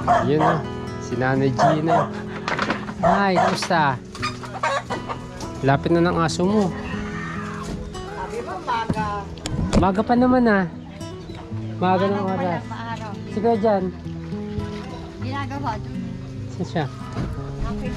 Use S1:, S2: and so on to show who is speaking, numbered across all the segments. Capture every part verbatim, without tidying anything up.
S1: Yun na. Si Nanay Gina. Hi, kamusta? Lapit na ng aso mo.
S2: Sabi mo, maga.
S1: Maga pa naman ah. Maga ng oras.
S2: Maaraw.
S1: Sige dyan.
S2: Ginagawa.
S1: Saan siya?
S2: Okay.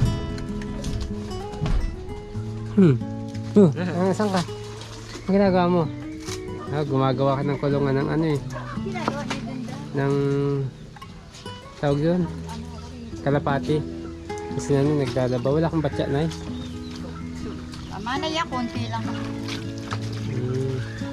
S1: Hmm. Uh, ah, saan ka? Ang ginagawa mo? Ah, gumagawa ka ng kulungan ng ano eh.
S2: Ginagawa niya dun dyan.
S1: Ng... Tawag doon? Kalapati. Kasi na nung naglalaba. Wala kang batya na eh.
S2: Tama na yan, konti lang.
S1: Hmm.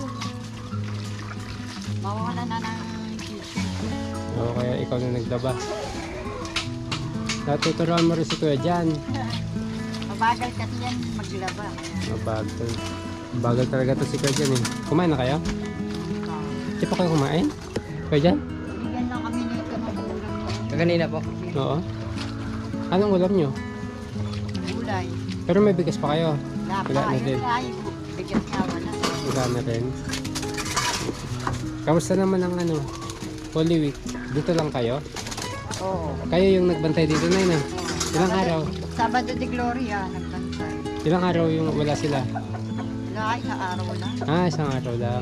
S2: Mawawala na ng t-shirt.
S1: Oo, kaya ikaw na naglaba. Natuturuan mo rin si Kuya dyan.
S2: Mabagal kasi yan maglaba.
S1: Mabagal. Mabagal talaga to si Kuya dyan eh. Kumain na kayo? Di pa kayo kumain? Kuya dyan?
S2: Bigyan lang kami nito ng ulam.
S3: Kaganina po.
S1: Oo. Anong ulam nyo?
S2: Gulay.
S1: Pero may bigas pa kayo.
S2: Lapa.
S1: Wala na din.
S2: Ay, bigyan nga wala.
S1: Wala na rin. Kamusta naman ang ano? Holy Week? Dito lang kayo?
S2: Oo.
S1: Kayo yung nagbantay dito na yun ah. Ilang araw?
S2: Sabado de Gloria, nagbantay.
S1: Ilang araw yung wala sila?
S2: Wala, isang araw lang.
S1: Ah, isang araw lang.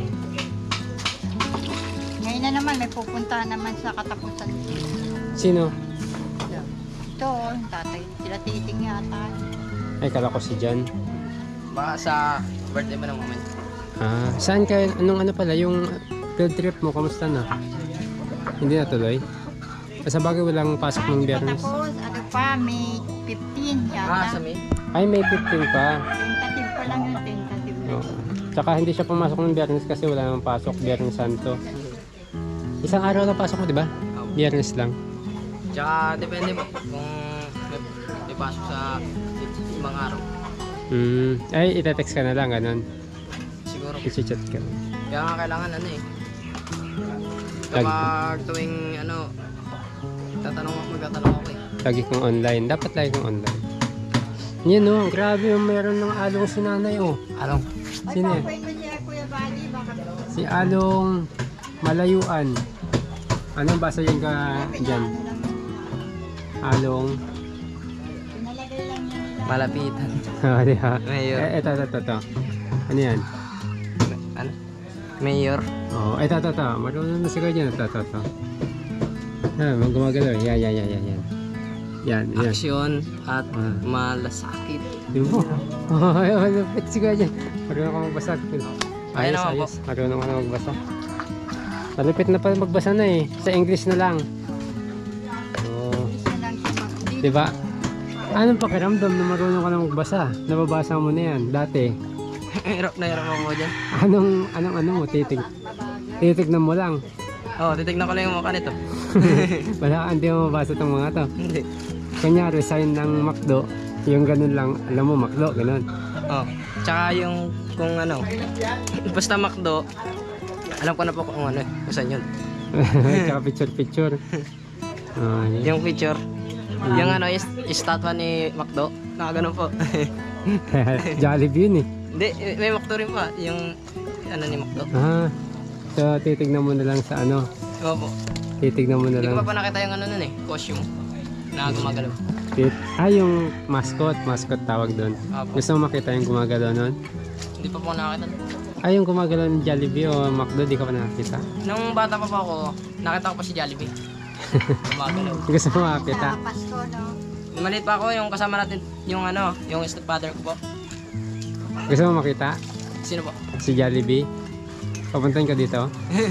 S2: Ngayon na naman, may pupuntahan naman sa katapusan.
S1: Sino?
S2: Ito, yung tatay. Sila titing yata.
S1: Ay, kala ko si Jan.
S3: Baka sa birthday mo ng moment.
S1: Ah, saan kayo? Anong ano pala? Yung field trip mo, kamusta na? Hindi na tuloy? Sa bagay walang pasok ng biyernes.
S2: Tapos, ano pa, May fifteen
S3: Ah, sa
S2: yata.
S3: May?
S1: Ay, may fifteen pa.
S2: Tentative pa lang yung tentative.
S1: Oo. Tsaka hindi siya pumasok ng biyernes kasi wala namang pasok. Biyernes Santo. Isang araw lang pasok mo, di ba? Biyernes lang.
S3: Tsaka depende po kung may, may pasok sa ibang araw.
S1: Hmm. Ay, itetext ka na lang, ganun.
S3: Siguro.
S1: I-chat ka.
S3: Kaya nga kailangan ano eh.
S1: Lagi.
S3: Kapag tuwing ano, tatanong ako, magtatanong ako eh.
S1: Lagi kong online. Dapat lagi kong online. Yan oh, grabe yung meron ng along si nanay oh.
S3: Anong?
S2: Ay,
S1: Sino yan?
S2: papain mo siya, Kuya Bali. Baka
S1: Si Along Malayuan. Anong basa yung ka dyan? Along.
S2: pinalagay lang niya nila.
S3: Malapitan.
S1: Ah, di ba?
S3: Mayor.
S1: Eh, eto, eto, eto. Ano yan?
S3: Ano? Mayor.
S1: Oh, eto, eto, eto. Marunong na siguro dyan. Eto, eto, eto. Ah, gumagalaw. Yan, yan, yan, yan, yan. Yan, yan.
S3: Aksyon at
S1: Ah.
S3: malasakit.
S1: Yun po. Oh, malapit siguro dyan. Marunong ka magbasa.
S3: Ayun
S1: Ayos,
S3: naman po.
S1: ayos. Marunong ka na magbasa. Malapit na pala magbasa na eh. Sa English na lang. Oh,
S2: Isa lang siya mag-
S1: di ba? Anong pakiramdam na marunong ka na magbasa? Nababasa mo na yan dati.
S3: Hirap na hirap ako dyan.
S1: Anong, anong, ano mo, titig, titignan mo lang.
S3: Oo, oh, titignan ko lang yung mukha nito.
S1: Wala, hindi mo mabasa itong mga to.
S3: Hindi.
S1: Kunyari, sign ng McDo, yung ganun lang, alam mo, McDo, ganun.
S3: Oh. Tsaka yung kung ano, basta McDo, alam ko na po kung ano, kung saan yun.
S1: Tsaka picture-picture. Oh, yun.
S3: Yung picture, yung ano, is, estatwa ni McDo, nakaganon po.
S1: Jollibee yun eh.
S3: Hindi, may McDo rin pa, yung ano ni McDo.
S1: Ah, so titignan mo na lang sa ano,
S3: Oo po.
S1: titignan mo na
S3: Hindi
S1: lang.
S3: ko pa pa nakita yung ano nun eh, costume na gumagalaw.
S1: Tit ah, yung mascot, mascot tawag doon.
S3: Opo.
S1: Gusto mo makita yung gumagalaw nun?
S3: Hindi pa po ako nakakita.
S1: Ah, yung gumagalaw ng Jollibee o McDo, di ka pa nakakita?
S3: Nung bata pa po ako, nakita ko pa si Jollibee. Gumagalaw.
S1: Gusto mo makakita?
S2: Sa Pasko, no?
S3: Maliit pa ako, yung kasama natin, yung ano, yung stepfather ko po.
S1: Gusto mo makita?
S3: Sino po?
S1: Si Jollibee? Papuntahin ka dito?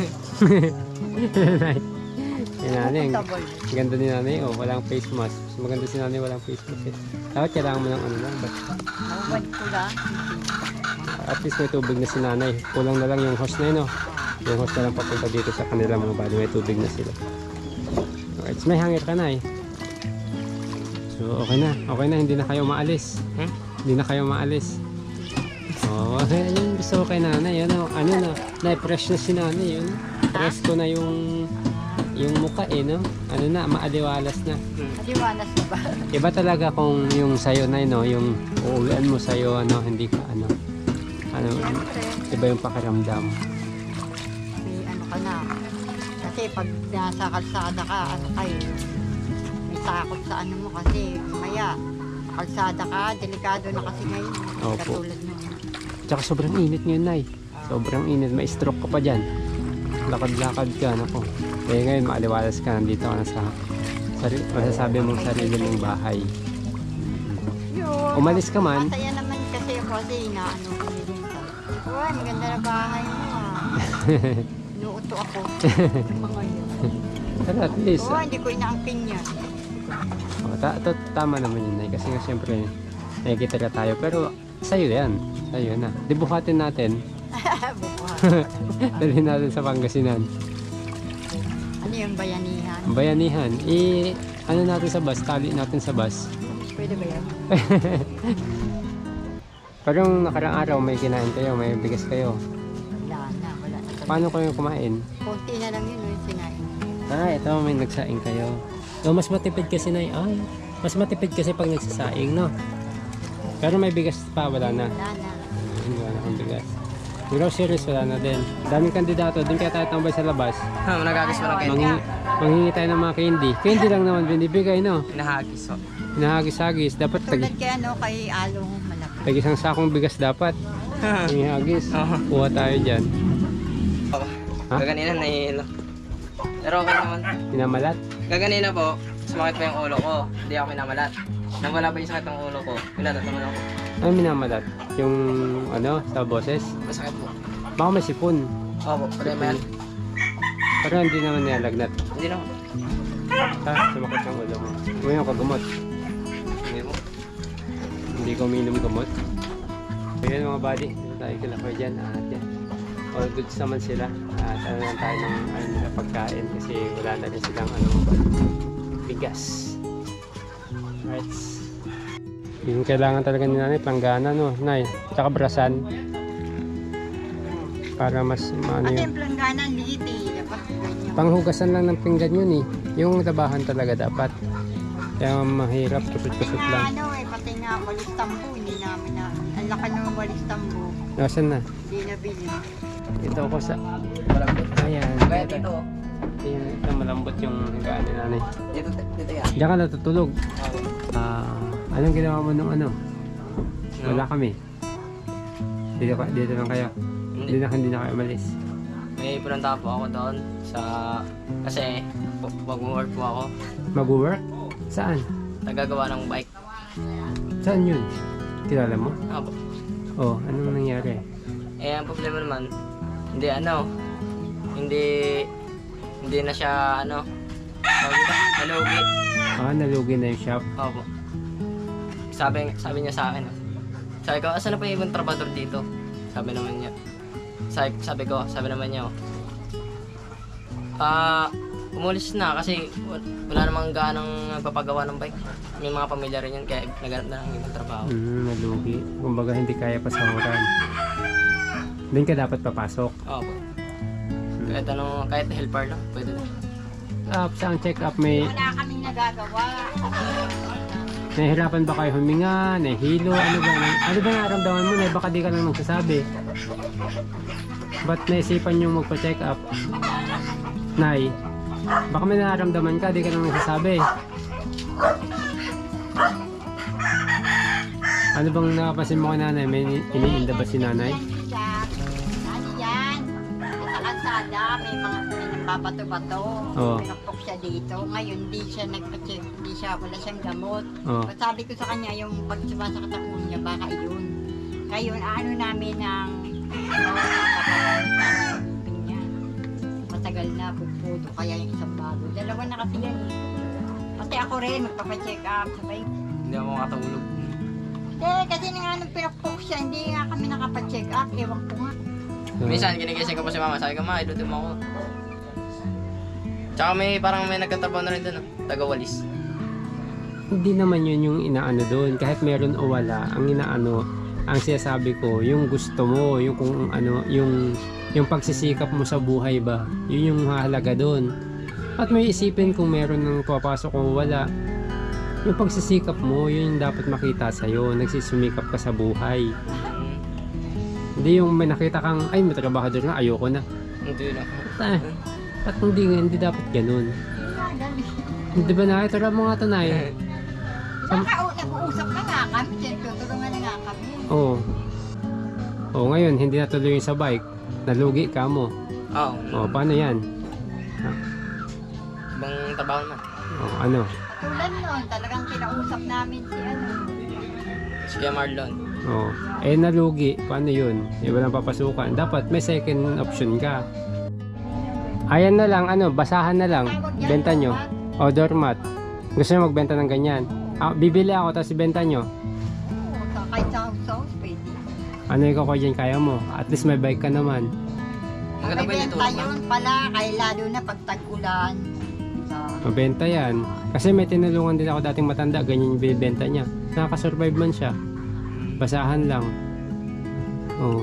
S1: Yung nanay, ang
S2: Comfortable.
S1: ganda ni nanay, oh, walang face mask. Mas maganda si nanay, walang face mask eh. Dapat kailangan mo ng ano lang, but
S2: Mawad ko lang.
S1: at least may tubig na si nanay. Kulang na lang yung host na yun, oh. Yung host na lang papunta dito sa kanila mga bali, may tubig na sila. Alright, so may hangir ka na eh. So okay na, okay na, hindi na kayo maalis.
S3: Hmm?
S1: Hindi na kayo maalis. Oh, okay, yun gusto ko kay nanay, ano, ano na, na-fresh na si nanay, yun. Fresh ko na yung yung mukha eh, no? Ano na, maaliwalas na.
S2: Maliwalas na ba?
S1: Iba talaga kung yung sayo na, no? Yung uuwian mo sayo, ano, hindi ka, ano, ano,
S2: Siyempre,
S1: iba yung pakiramdam.
S2: may ano ka na. Kasi pag nasa kalsada ka, ano kayo, takot sa ano mo kasi maya kalsada ka, delikado na kasi ngayon.
S1: Opo.
S2: Katulad ng
S1: Tsaka sobrang init ngayon, Nay. Sobrang init. May stroke ka pa dyan. Lakad-lakad ka, nako. Eh ngayon, maaliwalas ka. Nandito ka na sa sari, masasabi mong sarili mong bahay.
S2: yun.
S1: Umalis ka man.
S2: Masaya naman kasi ako kasi inaano ko din. Uy, maganda na bahay mo ah. Inuuto ako. Mga yun.
S1: Pero at least,
S2: Oo, hindi ko inaangkin yan.
S1: oh, ta ta tama naman yun, Nay. Kasi nga siyempre, nakikita na tayo. Pero sa'yo yan. Sa'yo na. Di buhatin natin.
S2: Bubuhat.
S1: Dalhin natin sa Pangasinan.
S2: Ano yung bayanihan?
S1: Ang bayanihan. I, ano natin sa bus? Tali natin sa bus.
S2: Pwede ba yan?
S1: Pero yung nakarang araw, may kinain kayo, may bigas kayo.
S2: Wala na, wala na. talaga.
S1: Paano kayo kumain?
S2: Konti na lang yun yung sinain.
S1: Ah, ito may nagsaing kayo. So, mas matipid kasi na ay, mas matipid kasi pag nagsasaing, no? Pero may bigas pa, wala na.
S2: Wala na.
S1: Ayun, wala na akong bigas. Groceries, wala na din. Daming kandidato, din kaya tayo tambay sa labas.
S3: Ha, nagagis mo lang kayo.
S1: Manghi manghingi tayo ng mga candy. Candy lang naman binibigay, no?
S3: Hinahagis oh.
S1: Hinahagis-hagis. Dapat tag,
S2: Tulad kaya no, kay Along malaki.
S1: tag isang sakong bigas dapat. Hinahagis.
S3: Oo.
S1: Kuha tayo dyan. Ha?
S3: Kaganina nahihilo. Pero okay naman.
S1: Pinamalat.
S3: Kaganina po, sumakit pa yung ulo ko. Hindi ako minamalat. Nang wala pa yung sakit ng ulo ko, pinalat naman ako.
S1: Ano minamalat? Yung ano, sa boses?
S3: Masakit po.
S1: Baka may sipon.
S3: Opo, problema yan.
S1: Pero hindi naman nilalagnat.
S3: Hindi na.
S1: Ha? Sumakit yung ulo mo. Huwag yung kagamot.
S3: Hindi po.
S1: Hindi ko uminom gamot. So yun mga buddy, dito tayo kila Kuya dyan. At yan, all goods naman sila. At ano lang tayo ng ano, nila pagkain kasi wala na rin silang ano, bigas. Alright. Yung kailangan talaga ni nanay, planggana no, nay. Tsaka brasan. Para mas maano
S2: At
S1: yun.
S2: yung planggana, liit eh. Dapat ganyan.
S1: Panghugasan lang ng pinggan yun eh. Yung tabahan talaga dapat. Kaya mahirap, kusot-kusot lang.
S2: Ano eh, pati nga walis tambo, hindi namin na. Ang laki ng walis tambo,
S1: Nasaan na?
S2: hindi nabili.
S1: Ito ako sa...
S3: Malambot.
S1: Ayan.
S3: Kaya dito oh.
S1: Ayan, ito malambot yung higaan ni nanay.
S3: Dito, dito yan.
S1: Diyan ka natutulog.
S3: Oo.
S1: Ah, anong ginawa mo nung ano? Wala kami. Dito, ka, dito lang kayo. Hindi
S3: Hindi.
S1: na, hindi na kayo umalis.
S3: May pinunta po ako doon sa... Kasi mag-work po ako.
S1: Mag-work? Saan?
S3: Nagagawa ng bike.
S1: Saan yun? Kilala mo?
S3: Opo.
S1: Oh, anong nangyari?
S3: Eh, ang problema naman, hindi ano, hindi, hindi na siya ano, tawag ito, nalugi.
S1: Ah, nalugi na yung shop.
S3: Opo. Sabi, sabi niya sa akin, sabi ko, asan na pa yung ibang trabador dito? Sabi naman niya. Sabi, sabi ko, sabi naman niya, ah, umulis na kasi wa- wala namang ganang nagpapagawa ng bike. May mga pamilya rin yun, kaya naghanap na ng ibang trabaho.
S1: Hmm, nalugi. Kumbaga hindi kaya pasahuran. Doon ka dapat papasok.
S3: Opo. Kahit ano, kahit helper lang, pwede na.
S1: Ah, sa check up may
S2: Wala kaming nagagawa.
S1: nahihirapan ba kayo huminga, nahihilo, ano ba? Ano ba nararamdaman mo? Na baka di ka lang nagsasabi. Ba't naisipan yung magpa-check up? Nay, baka may nararamdaman ka, di ka lang nagsasabi. Ano bang nakapansin mo kay nanay? May iniinda ba si nanay?
S2: Siya, ano yan? Sa kalsada, may mga babato-bato.
S1: Oo.
S2: Pinakpok siya dito. Ngayon, hindi siya nagpa-check. Hindi siya, wala siyang gamot.
S1: Oh.
S2: At sabi ko sa kanya, yung pag sumasakit ang ulo niya, baka yun. Ngayon, ano namin ng niya. Matagal na, puputo kaya yung isang bago. Dalawa na kasi yan eh. Pati ako rin, magpapacheck up. Sabay,
S3: Hindi ako makatulog.
S2: eh, kasi nga nung pinakpok siya, hindi nga kami nakapacheck up. Ewan ko nga.
S1: So,
S3: Minsan, kinigising ko pa si mama. Sabi ko, ma, ilutin mo ako. Tsaka may parang may nagkatrabaho na rin doon, oh. Taga-walis.
S1: hindi naman yun yung inaano doon. Kahit meron o wala, ang inaano, ang sinasabi ko, yung gusto mo, yung kung ano, yung yung pagsisikap mo sa buhay ba, yun yung mahalaga doon. At may isipin kung meron ng papasok o wala. Yung pagsisikap mo, yun yung dapat makita sa'yo. Nagsisumikap ka sa buhay.
S3: Hmm.
S1: Hindi yung may nakita kang, ay may trabahador na, ayoko na.
S3: Hindi na.
S1: Ah, at hindi, hindi dapat ganun.
S2: Hindi nga, ganun.
S1: Hindi ba na? Tara mo nga ito, Nay.
S2: Naka- Nag-uusap na nga kami, siyempre, tulungan na nga kami.
S1: Oo. Oo, ngayon, hindi natuloy yung sa bike. Nalugi ka mo.
S3: Oo.
S1: Oo, paano yan?
S3: Ibang trabaho naman.
S1: Oo, ano?
S2: Tulad nun, talagang kinausap namin si ano.
S3: Si Kuya Marlon.
S1: Oo. Eh, nalugi. Paano yun? Eh, walang papasukan. Dapat may second option ka. Ayan na lang, ano, basahan na lang.
S2: Tawag yan,
S1: Benta nyo.
S2: doormat.
S1: O, doormat. Gusto nyo magbenta ng ganyan? Ah, bibili ako, tapos ibenta nyo.
S2: Oo, sa- kahit sa house-house, pwede.
S1: Ano ikaw ko dyan, kaya mo? At least may bike ka naman.
S3: Maganda
S2: May
S3: po yung
S2: benta
S3: tulog, ma'am.
S2: yun pala, kaya lalo na pag tag-ulan. Sa...
S1: Mabenta yan. Kasi may tinulungan din ako dating matanda, ganyan yung binibenta niya. Nakaka-survive man siya. Basahan lang. Oo.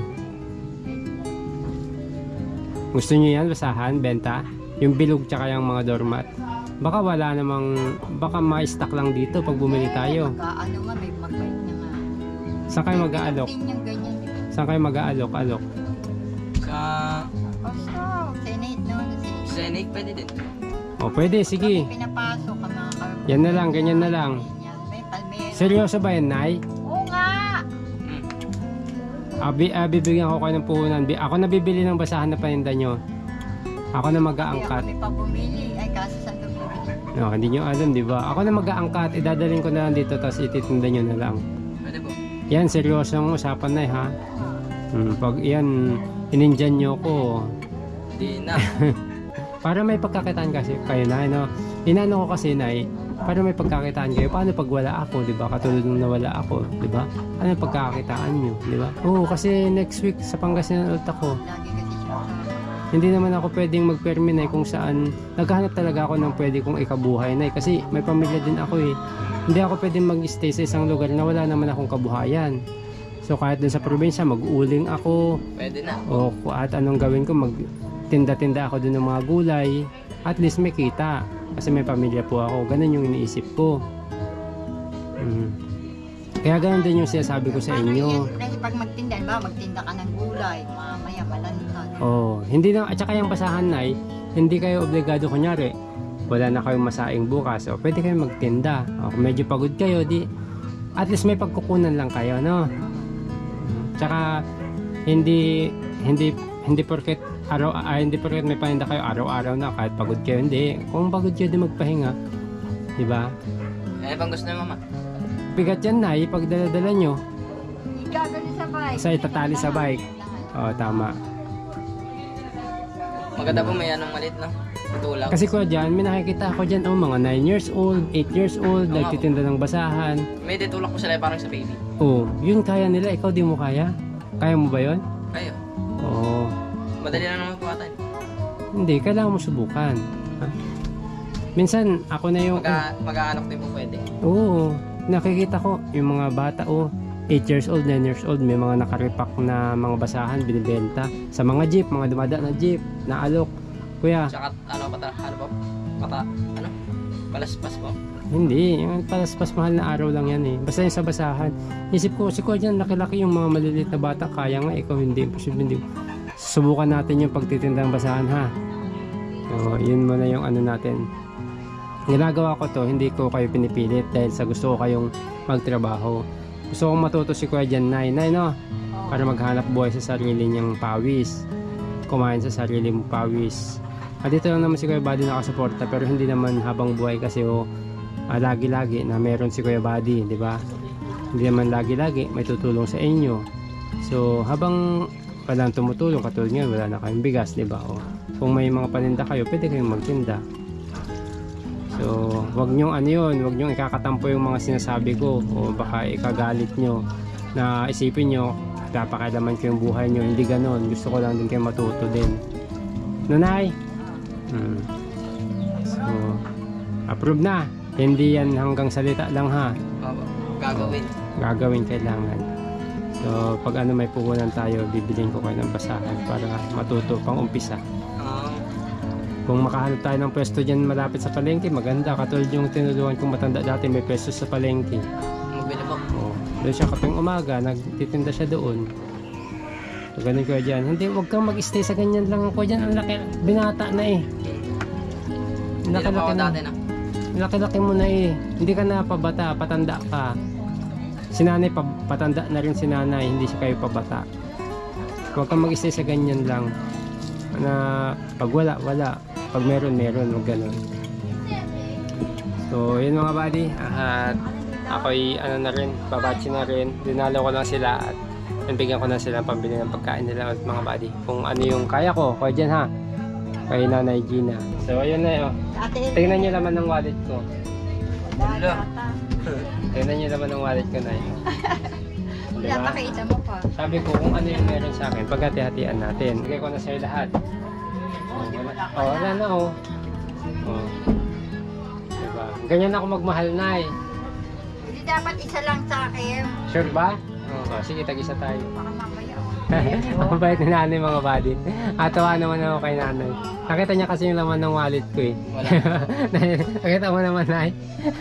S1: Gusto niyo yan, basahan, benta? Yung bilog tsaka yung mga doormat. Baka wala namang, baka ma-stock lang dito pag bumili tayo.
S2: Mag-ano nga, may magbait na nga.
S1: Saan kayo mag-aalok?
S2: Din yung ganyan, di ba?
S1: Saan kayo mag-aalok? Alok?
S3: Sa
S2: Also, Senate, no? Senate.
S3: Senate, pwede din.
S1: O pwede, sige.
S2: Pinapasok ang mga kar-
S1: Yan na lang, ganyan na lang.
S2: Ganyan. May palmera.
S1: Seryoso ba yan, Nay?
S2: Oo nga!
S3: Hmm.
S1: Abi, ah, bibigyan ko kayo ng puhunan. Bi- Ako na bibili ng basahan na paninda nyo. Ako na
S2: Kaya
S1: mag-aangkat.
S2: kami pa bumili. Ay, kaso saan ito bumili?
S1: No, hindi nyo alam, di ba? Ako na mag-aangkat, idadalhin ko na lang dito, tapos ititinda nyo na lang.
S3: Pwede po.
S1: Yan, seryosong usapan na eh, ha? Hmm, pag yan, inindyan nyo ko.
S3: Hindi na.
S1: Para may pagkakitaan kasi kayo na, no? Inano ko kasi, Nay, para may pagkakitaan kayo. Paano pag wala ako, di ba? Katulad nung nawala ako, di ba? Ano yung pagkakitaan nyo, di ba? Oo, kasi next week sa Pangasinan ulit ako.
S2: Lagi kasi siya sa...
S1: Hindi naman ako pwedeng mag-permi, Nay, kung saan naghahanap talaga ako ng pwede kong ikabuhay, Nay, kasi may pamilya din ako eh. Hindi ako pwedeng mag-stay sa isang lugar na wala naman akong kabuhayan. So kahit dun sa probinsya, mag-uling ako
S3: Pwede na.
S1: o ku- at anong gawin ko, magtinda-tinda ako dun ng mga gulay, at least may kita kasi may pamilya po ako. Ganun yung iniisip ko. Mm. Kaya ganun din yung sinasabi ko sa
S2: Paano
S1: inyo.
S2: yan? Kasi pag magtinda, ba, magtinda ka ng gulay, mamaya malantad.
S1: Oh, hindi na, at saka yung basahan, Nay, hindi kayo obligado, kunyari, wala na kayong masaing bukas, o pwede kayong magtinda. O kung medyo pagod kayo, di, at least may pagkukunan lang kayo, no? Tsaka, hindi, hindi, hindi porket, araw, ah, hindi porket may paninda kayo araw-araw na, kahit pagod kayo, hindi. Kung pagod kayo, di magpahinga. Diba?
S3: Eh, bang gusto niyo, mama?
S1: Bigat yan, Nay, pag dala-dala nyo.
S2: Igagano sa bike.
S1: Sa itatali sa bike. O, tama.
S3: Maganda po may anong malit, no? Tutulaw.
S1: Kasi ko dyan, may nakikita ako dyan, oh, mga nine years old, eight years old,
S3: Oo.
S1: nagtitinda ng basahan.
S3: May ditulak ko sila parang sa baby.
S1: Oh, yun kaya nila, ikaw di mo kaya? Kaya mo ba yun?
S3: Kayo.
S1: Oo.
S3: Madali na naman buhatan.
S1: Hindi, kailangan mo subukan. Ha? Minsan, ako na yung...
S3: Mag- mag-aanok din po pwede.
S1: Oo, nakikita ko, yung mga bata, oh, eight years old, nine years old, may mga nakaripak na mga basahan, binibenta. Sa mga jeep, mga dumada na jeep, na alok. Kuya,
S3: Tsaka, ano, pata, ano po? Pata, ano? Palaspas po.
S1: hindi, yung palaspas mahal na araw lang yan eh. Basta yung sa basahan. Isip ko, si Kuya dyan, laki-laki yung mga maliliit na bata, kaya nga, ikaw hindi, imposible hindi. Subukan natin yung pagtitinda ng basahan, ha? So, yun muna yung ano natin. Ginagawa ko to, hindi ko kayo pinipilit dahil sa gusto ko kayong magtrabaho. Gusto kong matuto si Kuya dyan, Nay, Nay, no? Para maghanap buhay sa sarili niyang pawis. Kumain sa sarili mong pawis. At dito lang naman si Kuya Buddy nakasuporta, pero hindi naman habang buhay kasi oh, ah, lagi-lagi na meron si Kuya Buddy, di ba? Hindi naman lagi-lagi may tutulong sa inyo. So, habang walang tumutulong, katulad ngayon, wala na kayong bigas, di ba? O, kung may mga paninda kayo, pwede kayong magtinda. So, wag nyong ano yun, wag nyong ikakatampo yung mga sinasabi ko o baka ikagalit nyo na isipin nyo, napakailaman ko yung buhay nyo. Hindi ganon, gusto ko lang din kayo matuto din. Nanay? Hmm. So, approve na. Hindi yan hanggang salita lang, ha.
S3: Opo. Gagawin.
S1: Gagawin kailangan. So, pag ano may puhunan tayo, bibilin ko kayo ng basahan para matuto pang umpisa.
S3: Um,
S1: Kung makahanap tayo ng pwesto dyan malapit sa palengke, maganda. Katulad yung tinulungan kong matanda dati, may pwesto sa palengke.
S3: magbili po.
S1: Oh, doon siya kaping umaga, nagtitinda siya doon. So, ganun ko dyan. Hindi, huwag kang mag-stay sa ganyan lang ko dyan. Ang laki, binata na eh.
S3: Hindi na po
S1: Nakalaki
S3: ako
S1: na.
S3: dati na.
S1: laki-laki mo na eh. Hindi ka na pabata, patanda ka. Si nanay, pa, patanda na rin si nanay, hindi siya kayo pabata. Huwag kang mag-stay sa ganyan lang. Na pag wala, wala. Pag meron, meron. Huwag ganun. So, yun mga buddy. At ako'y ano na rin, babatsi na rin. Dinalo ko lang sila at nabigyan ko na sila ng pambili ng pagkain nila at mga buddy. Kung ano yung kaya ko, kaya dyan ha. Kay Nanay Gina. So, ayun na yun.
S2: Ate,
S1: Tingnan nyo naman ng wallet ko.
S2: wala yata.
S1: Tingnan nyo naman ng wallet ko na yun.
S2: Wala
S1: Diba?
S2: pa kita mo pa.
S1: Sabi ko kung ano yung meron sa akin, pagkati-hatian natin. Bigay ko na sa'yo lahat. Oh, wala, oh, wala na oh. Oh. Diba? Ganyan ako magmahal na eh.
S2: Hindi dapat isa lang sa akin.
S1: Sure ba? Oh, oh, sige, tag-isa tayo.
S2: Baka mamaya ako.
S1: Ang bait ni nanay mga buddy. Atawa naman ako kay nanay. Nakita niya kasi yung laman ng wallet ko eh.
S3: Wala.
S1: Nakita mo naman nay.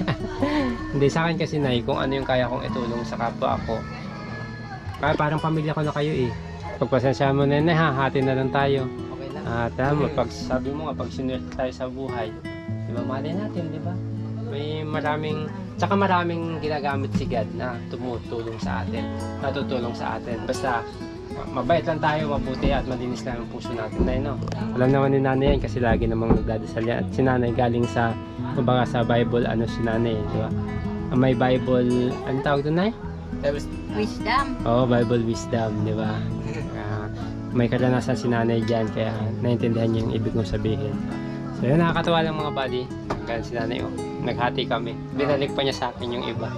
S1: Hindi sa akin kasi nay kung ano yung kaya kong itulong sa kapwa ako. Kaya parang pamilya ko na kayo eh. Pagpasensya mo na nay ha, hati na lang tayo.
S3: Okay lang.
S1: At alam mo, pag sabi mo nga, pag sinuwerte tayo sa buhay, di ba mali natin, di ba? May maraming, tsaka maraming ginagamit si God na tumutulong sa atin, natutulong sa atin. Basta mabait lang tayo, mabuti at malinis lang ang puso natin na no? Alam naman ni nanay yan kasi lagi namang nagdadasal yan. At si nanay galing sa, kumbaga sa Bible, ano si nanay, di ba? May Bible, ano tawag doon nay?
S3: Tapos,
S2: Wisdom.
S1: Oo, Bible wisdom, di ba? Uh, may karanasan si nanay dyan, kaya naintindihan niya yung ibig kong sabihin. So yun, nakakatawa lang mga buddy. Ganyan si nanay, oh. Naghati kami. Binalik pa niya sa akin yung iba.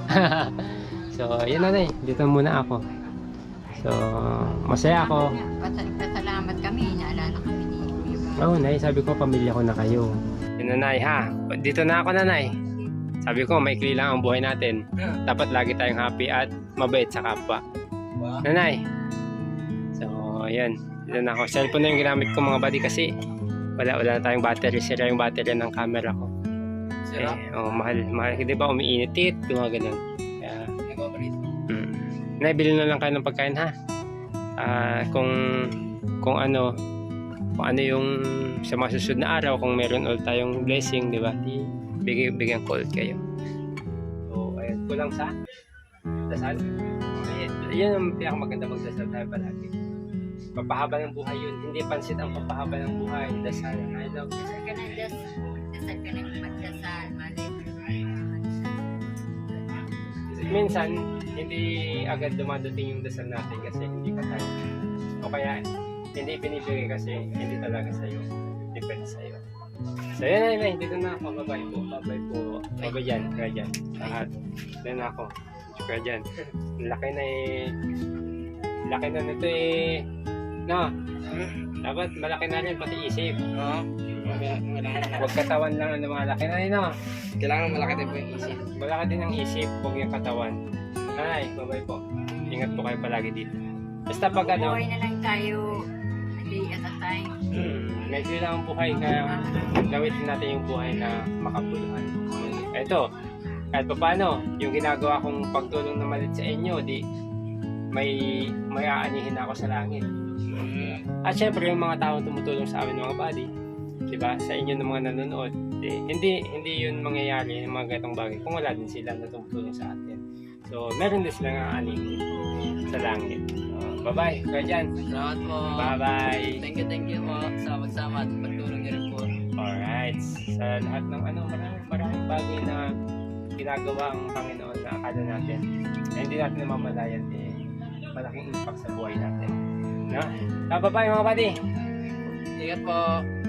S1: So, yun nanay, dito muna ako. So, masaya ako.
S2: Pasal- Pasalamat kami. Naalala kami ni Kuya.
S1: Oo, oh, nay, sabi ko, pamilya ko na kayo. Yun nanay, ha? Dito na ako nanay. Sabi ko, maikli lang ang buhay natin. Dapat lagi tayong happy at mabait sa kapwa.
S3: wow.
S1: Nanay. So, ayan. Dito na ako. Cellphone na yung ginamit ko mga buddy kasi wala, wala na tayong battery. Sira yung battery ng camera ko.
S3: Sira?
S1: Eh, oh, mahal, mahal. Di ba umiinit? Tit, mga ganun. Kaya,
S3: Nag-operate.
S1: mm. Nay, bilhin na lang kayo ng pagkain ha. Ah, kung, kung ano, kung ano yung sa mga susunod na araw, kung meron ulit tayong blessing, di ba? Di, bigay, bigyan ko ulit kayo. So, ayun, kulang sa dasal. Ayun, yun ang pinakamaganda magdasal tayo palagi. Papahaba ng buhay yun. Hindi pansit ang papahaba ng buhay. Dasal. I love you.
S2: Dasal ka na, das- dasal ka na magdasal. Malay mo.
S1: Minsan, hindi agad dumadating yung dasal natin kasi hindi pa tayo. O kaya, hindi binibigay kasi hindi talaga sa'yo. Depende sa'yo. So, yun na yun. Dito na ako. Babay po. Babay po. Babay dyan. Kaya dyan. Lahat. Dito na ako. Kaya dyan. Laki na eh. Laki na nito eh. No? Dapat malaki na rin pati isip.
S3: Oo.
S1: Huwag katawan lang ang lumalaki na yun. No?
S3: Kailangan malaki din po yung isip.
S1: Malaki din ang isip. Huwag yung katawan. Ay, babay po. Ingat po kayo palagi dito. Basta pag ano,
S2: Buhay na lang tayo. A day at a time.
S1: hmm, medyo lang ang buhay. Kaya gamitin natin yung buhay na makabuluhan. Eto, kahit pa paano, yung ginagawa kong pagtulong na malit sa inyo, di may may aanihin ako sa langit. At syempre yung mga taong tumutulong sa amin mga buddy, di ba? Sa inyo ng mga nanonood, di, hindi hindi yun mangyayari yung mga gatong bagay kung wala din sila na tumutulong sa atin. So, meron din silang aanihin sa langit. So, bye-bye. Kaya dyan.
S3: Salamat po.
S1: Bye-bye.
S3: Thank you, thank you po sa magsama at pagtulong niyo rin po.
S1: Alright. Sa lahat ng ano, maraming, maraming bagay na ginagawa ang Panginoon na akala natin. Na hindi natin namamalayan eh, malaking impact sa buhay natin. No? So, bye-bye mga buddy.
S3: Ingat po.